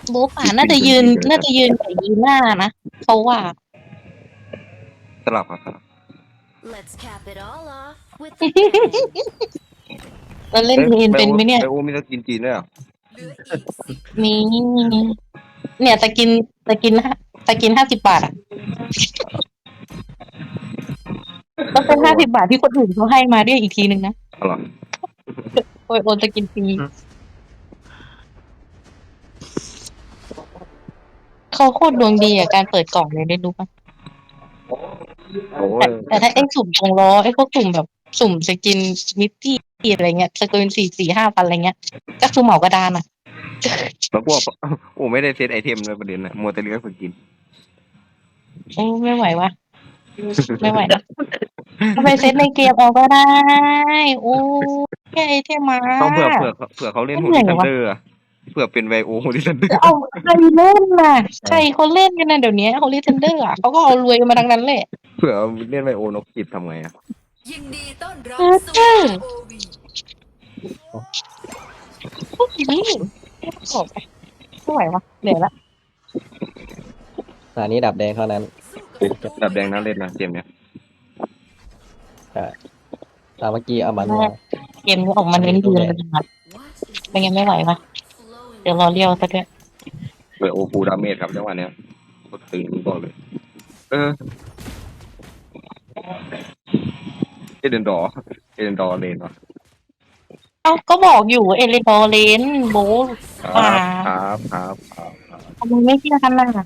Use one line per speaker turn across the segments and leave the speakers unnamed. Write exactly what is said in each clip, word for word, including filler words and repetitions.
โบะป่าน่าจะยืนน่าจะยืนกับยีน่านะเพราะว่า
สลับครับสลับ
Let's cap it all off with a bang.
เราเล่น
เอ้ย
เทน
ไบโอ
เป็นไหมเนี่ย
ไบโอมีสกินจีนด้วยเหรอ
เหลืออีกสิบ
มีเนี่ยสกินสกินห้าสกินห้าสิบบาทอ่ะก็เป็นห้าสิบบาทที่คนอื่นเขาให้มาด้วยอีกทีนึงนะ
อร่อย
โอยโอนสกินฟรีเขาโคตรดวงดีอ่ะการเปิดกล่องเลยได้รู้ปะ
โอ้
แต่
ย
แต่ถ้าไอ้สุ่มตรงล้อไอ้พวกสุ่มแบบสุ่มสกินมิตตี้อะไรเงี้ยสกินสี่สี่ห้าพันอะไรเงี้ยก็คือเหมากระดานอ่ะ
แล้วพวกโอ้ไม่ได้เซตไอเทมเลยประเด็นนะมัวแต่เลือกสกิน
โอ้ไม่ไหววะไม่ไหวนะเอาไปเซตในเกมเอาก็ได้โอ้แค่ไอเทมมา
ต้องเผื่อเผื่อเผื่อเขาเล่นโฮ
เหนื่อยวะ
ลิทันเดอร์อะเผื่อเป็นไบโอโฮลิทันเดอร์
จะเอาใครเล่นน่ะใครเขาเล่นกันนะเดี๋ยวนี้โฮลิเทนเดอร์อ่ะเขาก็เอารวยกันมาทั้งนั้นแหละ
เผื่อเล่นไบโอนกจิบทำไงอะ
ยินดีต้อนรับ
เออ
สู่
ใช่
โอวี
พวกนี้จบไปไม่ไหววะเหนื่อยละ
ตอนนี้ดับแดงเท่านั้น
ดับแดงน่าเล่นนะเกมเนี้ย
ใช่ตามเมื่อกี้เอามันมา
เกมนี้ออกมาเน้นยืนเลยนะเป็นไงไม่ไหวปะเดี๋ยวรอเลี้ยวสักเดือน
ไบโอฟูดาเมจครับจังหวะเนี้ยกดตึงบอกเลย เออเอเดนดอร์เอเดนดอร์เลนวะ
เอ้าก็บอกอยู่เอเลนดอร์เลนโบล
ครั
ป่า
บครับครับครับครับ
ทำไมไม่เชื่อกันล่ะ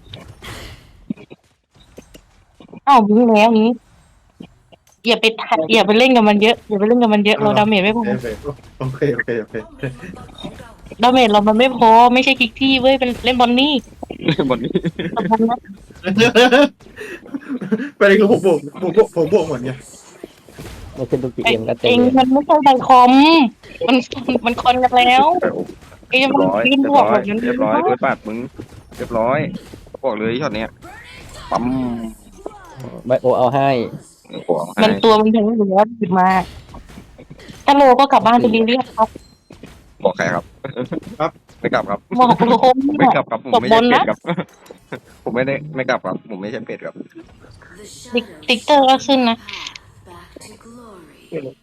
เอ้าบิงแล้วนี้อย่าไปทะอย่าไปเล่นกับมันเยอะอย่าไปเล่นกับมันเยอะเราดาเมจไม่พอ
โอเคโอเคโอเคโอเค
ดาเมจเรามันไม่พอไม่ใช่คิกที่เว้ยเป็นเล่นบอลนี่
บอลนี้
สำคัญนะ
ประเด็นคือผมบวกผมบวกผมบวกเหมือนไง
ไม่ขึ้นทุกที
เอ
เอ็มก็เต็
ง
ม
มันไม่ใช่ไดคอมมันมันคอนกันแล้ว
ไบโอ
เองมัน
ร้อย
ยืน
เรีย
บบ วก
ร้อ
แบ
ย
บนั้น
เรียบร้อยเปิดปาดมึงเรียบร้อยบอกเลยช็อตเนี้ยปั๊ม
ไบโอเอาให้
หัวให้
มันตัวมันแข็งอยู่แล้วหยิบมาถ้าโลก็กลับบ้านไปเรียกครับ
บอกใครครับ
ครับ
ไม่กลับครับ
บอกโลม
ไม่
เนี่ย
กลับครับผม
จบ
ไม่
บ
ใช่
น
เป็ด
นะ
ครับ ผมไม่ได้ไม่กลับครับผมไม่ใช่เป็ดครับ
ติ๊กติ๊กเตอร์ก็ขึ้นนะ
back to glory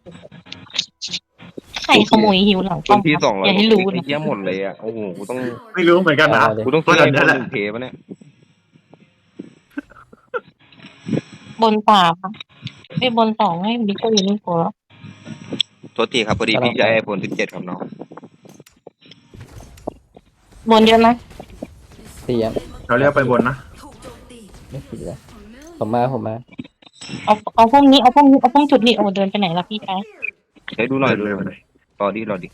ใครขโมยหิวหลัง
ค
ป้อน ม
ที่
ครับ
สองร้อ
อย ย่าให้รู้
ไอ้
นะ
เหี้ยหมดเลยอ่ะโอ้โหกูต้อง
ไม่รู้เหมือนกันนะ
กูต้องซื้อ
ว่า
ไอ
เดี๋ยว
โฟ
นี้
น
แหละ
หนึ่งเคปะเนี่ย
บนสามไม่บนสองให้บิ๊กเตอร์อยู่นี่โผล่
โทษทีครับพอดีพี่ใช้ไอโฟนสิบเจ็ดครับน้อง
บนเยอะนะ
เสียง
เราเรียกไปบนนะ
ถูกโจมตี
ไม่เสียผมมาผมมา
เอาเอาพวกนี้เอาพวกนี้เอาพวกจุดนี้โอ้เดินไปไหนล่ะพี่ชาย
เฮ้ยดูหน่อยดู
เร็
ห
ว
น่อย
ๆ
รอดิรอดิ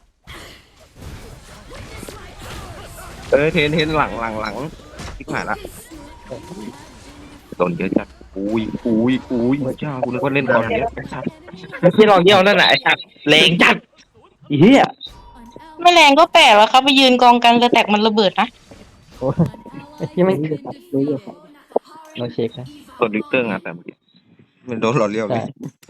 เออเทนเทนหลังหลังหลังทิกหายละโดนเยอะจัดอุ้ยอุ้ยอุ้ยเจ้ากูนึกว่าเล่นตอนนี้ชัด
ที่เราเยี่ยวนั่นแหละไอ้สัตว์แรงจัดอีเหี้ย
ไม่แรงก็แปลกแล้วครับไปยืนกองกันจะแตกมันระเบิดนะ
โอ้ยที่ไม่รู้อยู่เราเช็คนะ
โดนลิกเตอร์งานแต่เมื่อกี้มันโดนหล่อเลี้ยวเล
ใช่
ย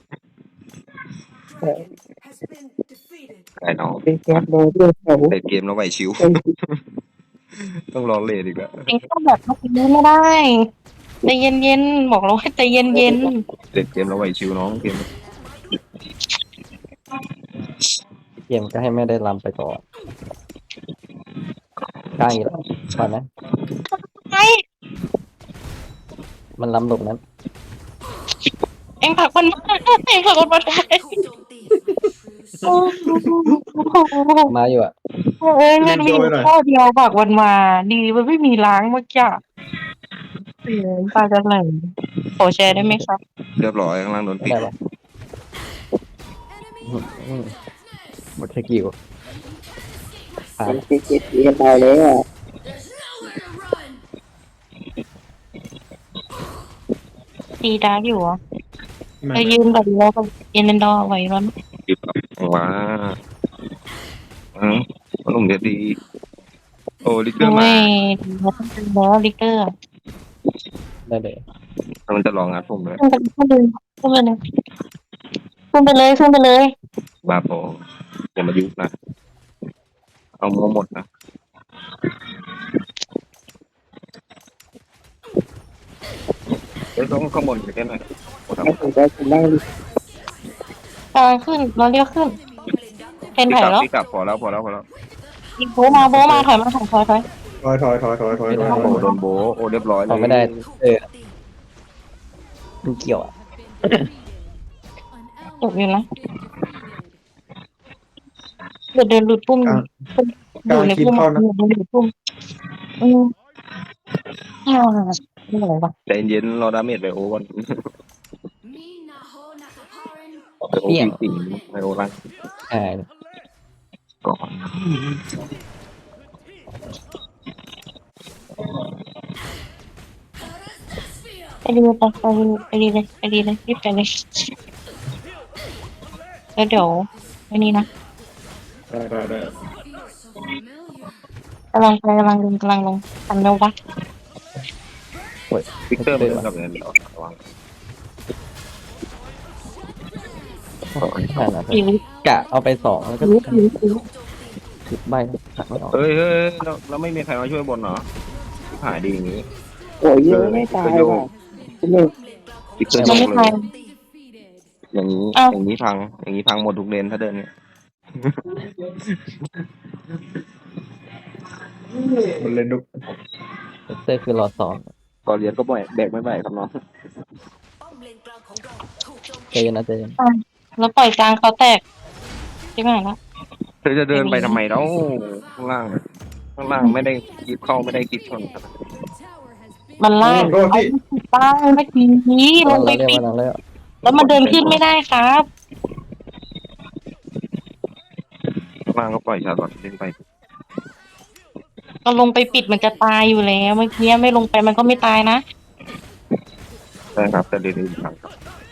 ไอ้น้อง
เป็นแก๊สเลยด้วยเขา
เล่นเกมแล้วไหวชิว ต้องรอเลดอีกแล้ว
เองต้องแบบเมื่อกี้ไม่ได้ใจเย็นๆบอกเราให้ใจเย็น
เล่นเกมแล้วไหวชิวน้องเกม
เกมก็ให้ไม่ได้ลำไปก่อนกลางอีกแล้วก่อนนะ
ๆไอ้
มันลำหลบนั้น
เองผลักมันมาเองผลักมันมาทำไม
ถูกโจมตี
โอ้โห
มาอยู่อ่ะ
เอ้ยมันมีข้อเดียวผลักมันมา ดีมันไม่มีล้างเมื่อกี้เออตาจะไหลขอแชร์ได้ไหมครับ
เรียบร้อยข้างล่างโดน
ไม่
ปิด
ได้หรอกอืมหมดสกิลผ่าน
ตีดาร์กอยู่เหรอ
ไม่
ไปยืนแบบแล้วกับเอ็นเดนดอร์ไว้ร้อน
ปิดว้าอืมมันลุ่มเดียดีโอ้ลิกเตอ
โอ้
ร์มาย
ดีแล้วต้องเป็นแล้วลิกเตอร์
ได้เลย
มันจะลองงัดผมเลย
ขึ้นไปขึ้นไปเลยขึ้นไปเลยขึ้นไปเลย
บาโปอย่ามายุ่งนะเอามัวหมดนะอ้ยต้องข้างบนไปแค่ไหนโอ้โห
ให้ผมได้ผมได้
กำลังขึ้นเราเรียกขึ้นเป็น
พี่
ไถ่
กลับ
แล้ว
พี่กลับพอแล้วพอแล้วพอแล้ว
โบะมาโบะมาถอยมาถอยถอยถอย
ถอยถอยถอยถอยถอยถอย
โอ้โหโดนโบะโอ้เรียบร้อยเลย
ทำไม่ได้เออมันเกี่ยวอ่ะ
จบอยู่นะเดี๋ยวเดินหลุดปุ่มอยู่ในปุ่มอยู่ในปุ่มอืมอ่าไม่ไหววะ
ใจเย็นรอดาเมจไปโอ้ก่อนไปโอ้จริงๆไปโอ้รัง
ใช่
ก่อน
ไปดีไปไปดีเลยไปดีเลยรีบไปเลยแล้วเดี๋ยวอันนี้นะ
ได้ได้ได้
กำลังไปกำลังลงกำลังลงทันเร็ววะ
ฟิกเตอร์มันกับเงินเราระวัง
ใช่นะ
อีวิ
กะเอาไปสองแล้วก็
อีวิอีวิอีวิ
สิบใบหักไม่ออก
เฮ้ยเฮ้ยเราเราไม่มีใครมาช่วยบนเหรอหายดีอย่างนี้
โอ้ยเยอะไม่ตายว่ะ
ฟิกเตอร์
มัน
โย
ไม่
ก
ทั
เล
น
ยอย่างนี้อย่างนี้พังอย่างนี้พังหมดทุกเลนถ้าเดินเนี่ย
มันเล่นดุก
เตอร์คือรอสอง
ก่อนเรียนก็บ่อยแบกไม่ไหวครับน้อง
ใจเย็นนะใจเย็น
แล้วปล่อยกลางเขาแตกใช่ไหมล่ะ
เธอจะเดินไปทำไมแล้วข้างล่างข้างล่างไม่ได้คิดเข้าไม่ได้คิดชน
มันล่าง
โดนที่
ป้าเมื่อกี้ล
วั
ง
น
ไป
เราเรียก
ปิด
วันเราเรียก
แล้วมันเดินขึ้นไม่ได้ครับ
ข้างล่างก็ปล่อยชาร์ลอตเล่นไป
ก็ลงไปปิดมันจะตายอยู่แล้วเมื่อกี้ไม่ลงไปมันก็ไม่ตายนะ
ใช่ครับแต่เดินอีกครั้งครับ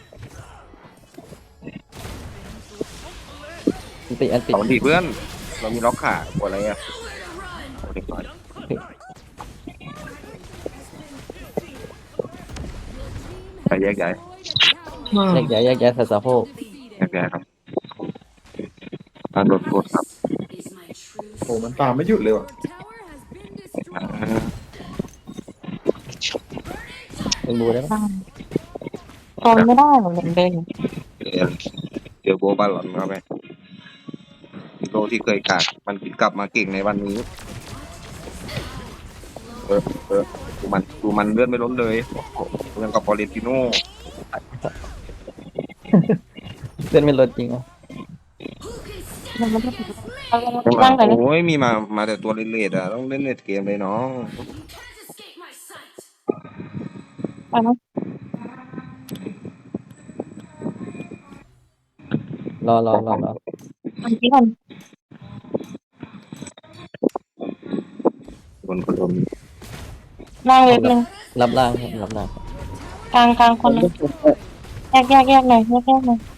อันติอันติ
สองทีเพื่อนเรามีล็อกขาปวดอะไรอ่ะโอ้เด็กน้อยไปแยกย้าย
แยกย้ายแยกย้ายใส่สะโพก
แยกย้ายครับการโดนกดครับ
โอ้มันตามไม่หยุดเลยว่ะ
อ่า
เป็นบูได้ไหม
ทนไม่ได้หรอกเดินอยู่
เดี๋ยวเดี๋ยวโบบาลอนเข้าไปโลที่เคยกากมันกลับมาเก่งในวันนี้เออเออดูมันดูมันเลื่อนไม่ล้นเลยเรื่องกับพอเลนติโน่
เล่นไม่ลดจริงอ่ะ
มันไม่ได้เอาล่างไหนเลย
โอ้ยมีมามาแต่ตัวเลดๆอ่ะต้องเล่นเลดเกมเลยน้อง
ไปนะ
รอรอรอรอ
อันนี้ก่อน
คนคนโดน
ล่างเว็บหนึ่ง
รับล่างครับรับล่าง
กลางกลางคนหนึงแยกแยกแยกหน่อยแยกแยกหน่อย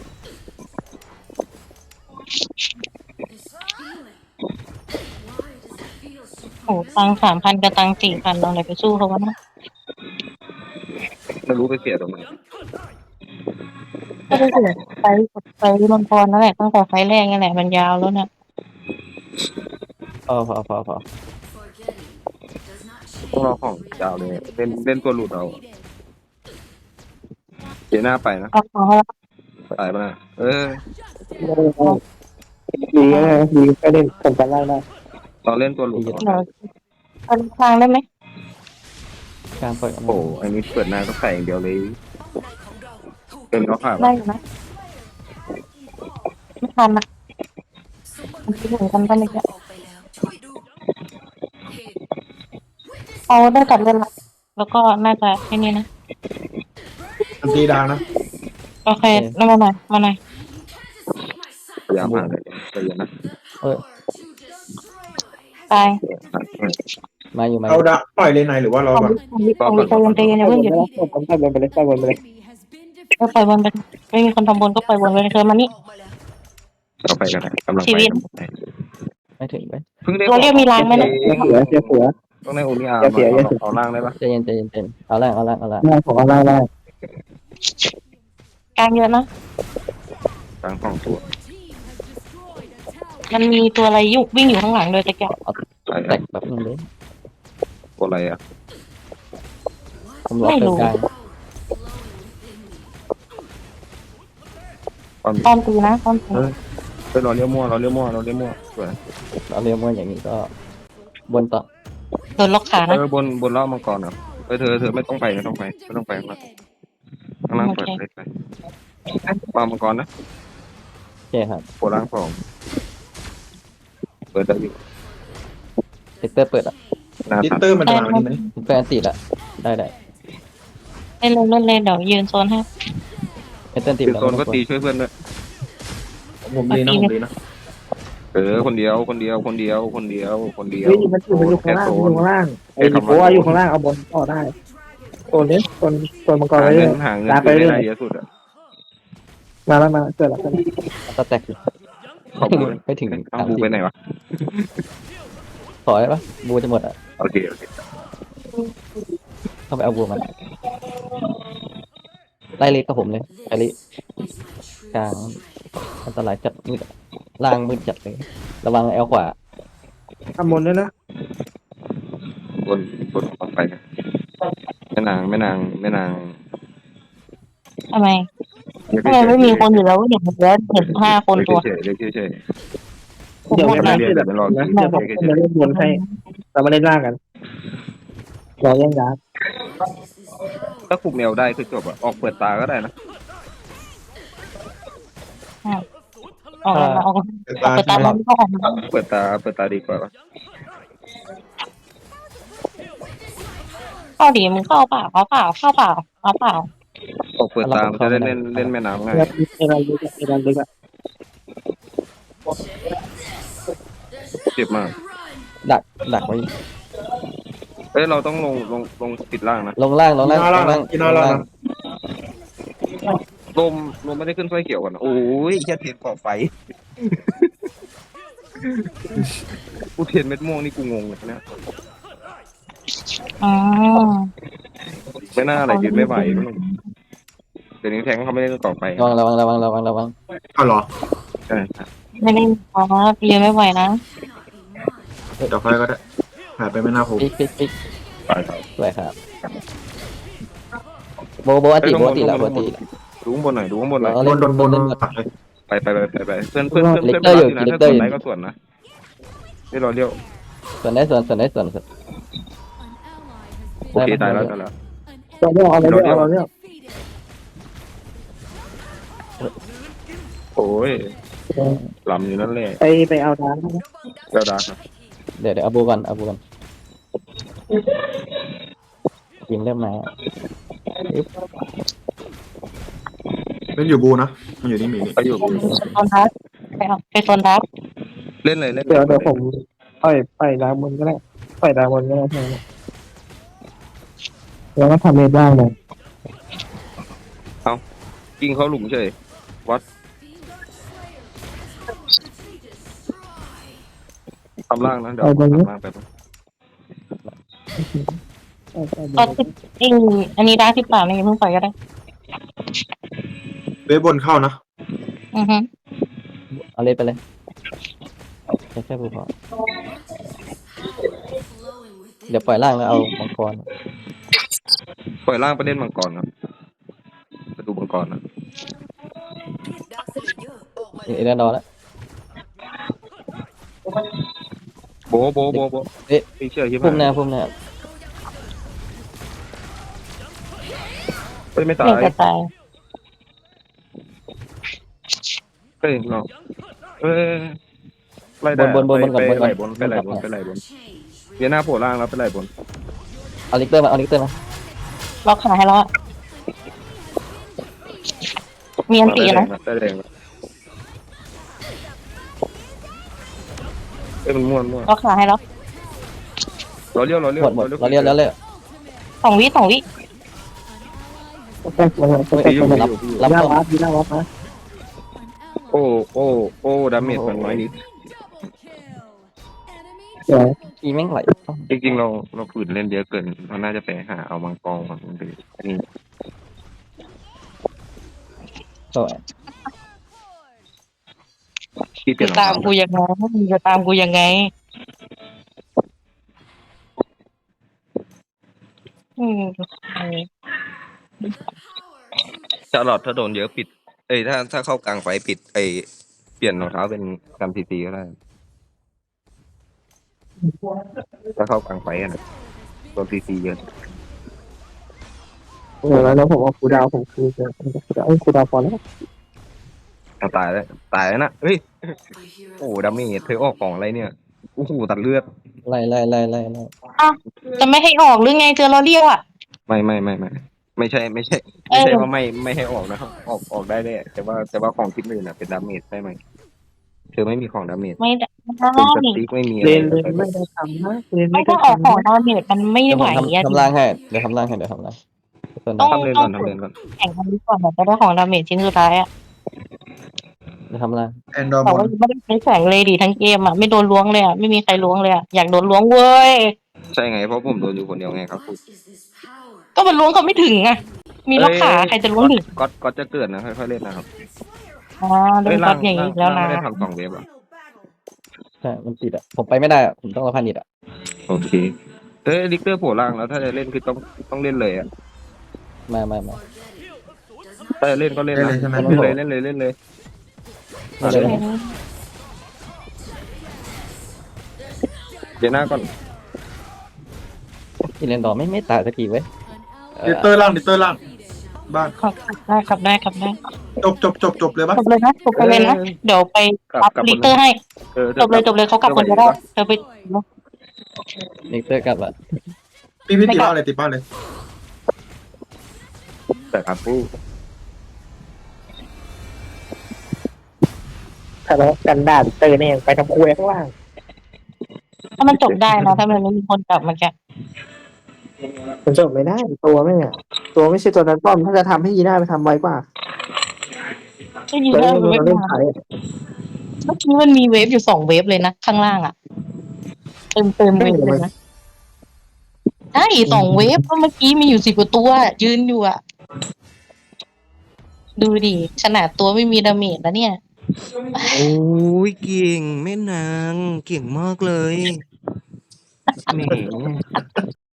โอ้ตังสามพันกับตังสี่พันเราอะไรไปสู้เขาวะนะ
ไม่รู้ไปเสียตรงไหน
ก็ได้เสียไฟไฟมังกรนั่นแหละตั้งแต่ไฟแรกนั่นแหละมันยาวแล้วเนี่ย
พอพอพอพอ
ต้องรอของยาวเลยเล่นเล่นตัวหลุดเอาเดี๋ยวหน้าไปนะ
เอาของเขา
ตายปะนะเออ
ดีนะดีก็เล่นผมกันล่างได้
เราเล่นตัวหลุด
เดี๋ยวเอาทางได้ไหม
กลางปล่อย
โอ้โหไอ้นี่เปิดหน้าก็ใส่อย่างเดียวเลยเป็นก็ผ่าน
ได้อยู่นะไม่ทันนะมันคิดถึงกันตอนนี้เอาได้ตัดเลยละแล้วก็น่าจะแค่นี้นะ
อันตีดาวนะ
โอเคแล้วมาหน่อยมาหน่อย
พยายามผ่านเลยใจเย็นนะ
เออ
ตาย
มาอยู่มา
เอาดาปล่อยเลยนายหรือว่าเรา
ของ
แบบ
วิของวิของวิใจเย็นใจเย็นอย่าเพิ่งหยุด
ผมไปบนไปเลยไปบนไปเลย
ก็ปล่อยบนไปไม่มีคนทำบนก็ปล่อยบนไปเธอมานี่
เราไปกันนะกำลัง
ชี
ไป
วิต
ไม่ถึงไป
เพิ่งได้
เราเรียกมีรางไหมนะ
เสือเสือเสือ
ต้องได้โอนิอาร์เอาล่างได้ปะ
ใจเย็นใจเย็นใจเย็นเอาล่างเอาล่างเอาล่าง
ได้ผมเอาได้ได้
กลางเยอะนะ
กลางสองตัว
มันมีตัวอะไรยุวิ่งอยู่ข้างหลังโดยตะเกียบ
อะไร
แตกแบบนึงเลย
ตัวอะไรอ่ะ
ผมรอเติมกลาง
ความ
ป้อมตีนะป้อมตี
ไปรอเลี้ยวมั่วเราเลี้ยวมั่วเราเลี้ยวมั่วสวย
เราเรียกว่าอย่างนี้ก็บนต่อ
โดนล็อกขา
เอ
นะ
อบนบนล่อมังกรอ่ะเออเธอเธอไม่ต้องไปไม่ต้องไปไม่ต้องไปข้างล่างข้างล่างเปิดเลยไปปามังกรนะ
โอเคครับ
โผล่ล่างสองเปิดได้อยู่
เซกเตอร์เปิดอ่ะ
หน้า
ลิ
ตัด
เตอร์มันจะมาวันนี้ไหม
แฟนติดอ่ะได้ได้
เล่นเลยเล่นเลยเดี๋ยวยืนโซนให้
เอเตอร์ติด
คือ
แล้ว
โซนก็ตีช่วยเพื่อนด้วย
ผมดีนะผมดีนะ
เออคนเดียวคนเดียวคนเดียวคนเดียวคนเดียว
เฮ้ยมันอยู่มันอยู่ข้างล่างมันอยู่ข้างล่างไอ้ดิโก้อยู่ข้างล่างเอาบนต่อได้ตัวนี้ตัวตัวมังกร
หา
ไปเรื่
เงิ
อย
นหาเงิน
ตามไป
ซื้อ
เรื่อย
ได้เยอะสุดอ่ะ
มาแล้วมาเกิดแล้วเกิดแล้ว
สแต็กอยู่
ขอบคุณ
ไม่ถึง
เอา
สาม
บู
สิบ
ไปไหนวะ
ขอได้ปะบูจะหมดอ่ะ
โอเคโอเค
เข้าไปเอาบูมันไล่เล็กกับผมเลยไอริกลางอันตรายจัดมืดอะล่างมืดจัดเลยระวังแอลขวา
ทำบนด้วยนะ
บนบนออกไปนะแม่นางแม่นางแม่นาง
ทำไมทำไมไม่มีคนอยู่แล้วเห็นเยอะเห็นห้าคนตัว
เฉยเฉยเฉย
ผม
เดี๋ยว
หมด
ไม่
เล
ได้
ย
เดี๋ยวนะเดี๋ยวผมจะเล่นบนให้เรามาเล่นล่างกันเราแย่งยา
ถ้าคุมแนวได้คือจบอ่ะออกเปิดตาก็ได้นะ
ออกมาออก
เปิด
ออก
ตา
ไปตามนั้นก็ออกมา
เปิดตาเปิดตาดีกว่าปะ
เข้าดีมึงเข้าเปล่าเข้าเปล่าเข้าเปล่าเข้าเปล่า
ออกเปิดตามันจะได้เล่นเล่นแม่น้ำง่าย
เอรันลึกเอรันลึกอะ
เจ็บมาก
ดักดักไว้
เอ้ยเราต้องลงลงลงติดล่างนะ
ลงล่างลง
กิน
ล่าง
หน้า
ล
ล่าง
งล่าง
กินหน้าล่างนะ
ลมลมไม่ได้ขึ้นไฟเขียวกันโอ้ยแค่เทียนเกาะไฟ กูเทียนเม็ดม่วงนี่กูงงเลยเนี่ย
อ๋อ
ไม่น่าอะไรยืนไม่ไหวเดี๋ยวนี้แทงเขาไม่ได้เกาะไฟ
ระวังระวังระวังระวังระวัง
เอาเหรอ
ใช่ครับ
ไม่ได้อ๋อเรียนไม่ไหวนะ
เดี๋ยวค่อยก็ได้หายไปไม่น่าผม
ปิ๊กปิ๊กปิ๊ก
ไปครับ
สวยครับโบโบอันติโบอันติแล้วโบอันติแล้ว
ดูข้างบนหน่อยดูข้างบนหน่อย
เอา
โด
เล่
น
น
โดนโดน
เล่น
ตัดเลย
ไปไปไปไปไปเพื่อนเพื่อนเพื่อนเพื่อน
เล็กเตอร์อยู่
นะ
เล็
ถ้าก
เตอ
ส่
ร์
วน
อยู่
ไหนก็ส่วนนะนี่เราเรียก
ส่วนได้ส่วนส่วนได้ส่วนส่วน
โอเคตายแล้วตายแล้ว
เราเลือกเอาเราเลือกเอาเราเลือก
โอ้ยลำอยู่นั่นแหละ
ไปไปเอาดาร์ก
เจ้าดาครับ
เดี๋ยวเดี๋ยวเอาบูก่อนเอาบูก่อนยิงเริ่มมา
เล่นอยู่บูนะมันอยู่นี่มีนี่
ไปอยู่
โซนดับไปเอาไปโซนดับ
เล่นเลยเล่น
เดี๋ยวเดี๋ยวผมปล่อยปล่อยดาร์กบนก็ได้ปล่อยดาร์กบนก็ได้ใช่ไหมแล้วก็ทำเมดล่างเลย
ยิงเขาหลุมเฉยวัดทำล่างนะเดี๋ยวทำล่างไป
ก็จริงอันนี้ได้ที่ป่าไม่เพิ่งปล่อยก็ได้
เว็บบนเข้านะ
อือฮึ
เอาเล่นไปเลยแค่แค่บูพอเดี๋ยวปล่อยล่างแล้วเอามังกร
ปล่อยล่างไปเล่นมังกรครับไปดูมังกรนะ
เอเดนดอแล้ว
โบโบโบโบ
เอ๊ะ
ไม่เชื่อใช่ไหม
พุ่มหน้าพุ่มหน้า
ไม่ตา
เรีย
ย
กจะตาย
เฮ้ยเราเอ้ยไล่ได้
บนบนบนก่อนบน
ไป
ก่
ไหล
อน
บนไปไหลบนไปไหลบนเวียนหน้าโผล่ล่างแล้วไปไหลบน
เอาลิกเตอร์มาเอาลิกเตอร์มา
ล็อกขาให้แล้วอะมีอันตีนะ
ได้แดงแล้วเอ้ยมันม่วนม่วน
ล็อกขาให้แล้ว
เราเลี้ยวเราเลี้ยว
หมดหมดเราเรียกแล้วเลย
สองวิสองวิ
แค่ตัวเราตัว
ตีอยู่
เรา
ตีอยู่ตีอยู่
รับ
หน้า
ป้อม
วัดดีหน้าวัดนะ
โอ้โอ้โอ้ดาเมจมันน้อยนิด
เดี๋ยว
อีแม่งไหล
จริงๆเราเราฝืนเล่นเยอะเกินเราน่าจะไปหาเอามังกรมันหรืออันนี้
สวย
ที่เปลี่ย
จะ
น
ตามกูยังไงมึงจะตามกูยังไงอืม
ชาร์ลอตถ้าโดนเยอะปิดเอ้ยถ้าถ้าเข้ากลางไฟปิดไอเปลี่ยนรองเท้าเป็นกันซีซีก็ได้ถ้าเข้ากลางไฟอะนะโดนซีซีเยอะ
เออแล้วผมเอาครูดาวผมคือจะครูดาวเอ้ยครูดาวพอแล้ว
เอาตายแล้วตายแล้วนะเฮ้ยโอ้ดาเมจเธอออกของอะไรเนี่ยโอ้โหตัดเลือด
ไล่ไล่ไล่ไล่ไล่
จะไม่ให้ออกหรือไงเจอเราเรียวอ่ะ
ไม่ไม่ไม่ไม่ไม่ใช่ไม่ใช่
เอ
ไม่
อ
ใช่ว่าไม่ไม่ให้ออกนะครับออกออกได้ได้แต่ว่าแต่ว่าของทิปอื่นน่ะเป็นดาเมจได้ไหมเธอไม่มีของดาเมจ
ไม่ได้
เป็นสติ๊กไม่มีอะ
เล
ไร
นเลนไม่ได้ทำนะเลน
ไม่
ไม่ได้
ถ้าออก
ทำ
ของ
นะ
ดาเมจมันไม่
เดี๋ยว
ไห
ผ
ว
ม
อ่ะ
ทำทำล่างให้เดี๋ยวทำล่างให้เดี๋ยวทำล่างส่วน
ต้อง
ทำเลน
ต้อ
ก่อง นทำเลนก่อน
แข่งกันดีกว่าแบบจะได้ของดาเมจชิ้นสุดท้ายอ่ะ
เดี๋ยวทำล่าง
แอนดอร์
แต่
บอ
ว่า
ล
ไม่ได้ใช้แสงเลยดิทั้งเกมอ่ะไม่โดนล้วงเลยอ่ะไม่มีใครล้วงเลยอ่ะอยากโดนล้วงเว้ย
ใช่ไงเพราะผมโดนอยู่คนเดียวไงครับคุณ
ก็มันล้วงเขาไม่ถึงอ่ะมีล็อกขาใครจะล้วงถึง
ก็ก็จะเกิดนะค่อยๆเล่นนะครับ
อ่าโด
เฮ้
น
ย
ก๊
ล่า
อง ตอย่าง
ล่า
นี้
ง
แล้ว
ล่าง
นะ
ไม่ได้ทำสองเวฟอ่ะ
ใช่มันติดอ่ะผมไปไม่ได้อ่ะผมต้องรอพันนิดอ่ะ
โอเคเอ้ยลิกเตอร์โผล่ล่างแล้วถ้าจะเล่นคือต้องต้องเล่นเลยอ่ะ
มามามา
ถ้าจะเล่นก็เล่น
ได้
นะ
เลยใช่ไหม
เล่นเลยเล่นเลยเล่นเลย
มาเลยนะ
เดี๋ยวหน้าก่อน
กินเลนดอร์ไม่ไม่ตายสักทีเว้ยเอ
ดิ
อ
เตอร์ล่างดิเตอร์ล่างบ้าน
ครับได้ครับได้ครับได้
จบจบจบจบเลยปะ
จบเลยนะจบไปเลยนะเดี๋ยวไปรับลิเตอร์ให้
เออ
จบเลยจบเลยเขากลับคนเดียวได้เธอไป
นิกเตอร์กลับอ่ะ
พี่พี่ติดบ้านเลยติดบ้านเลย
แต่ครับผู้
ทะเลาะกันด่าเตอร์เนี่ยไปทำคุยข้างล่าง
ถ้ามันจบได้นะถ้ามันไม่มีคนกลับมาแก
มันจบไม่ได้ตัวไม่เนี่ยตัวไม่ใช่ตัวนั้นป้อมถ้าจะทำให้ยีน่าไปทำไวกว่า
ก็ยืน
ตัว
ได้
นี้
เว
มัน
ฟ
เล่น
มา
ไทย
เมื่อกี้มันมีเวฟอยู่สองเวฟเลยนะข้างล่างอ่ะเต็มเต็มเวฟเลยนะใช่สองเวฟเพราะเมื่อกี้มีอยู่สิบกว่าตัวยืนอยู่อ่ะดูดิขนาดตัวไม่มีดาเมจแล้วเนี่ย
โอ้ยเก่งแม่นางเก่งมากเลยแหม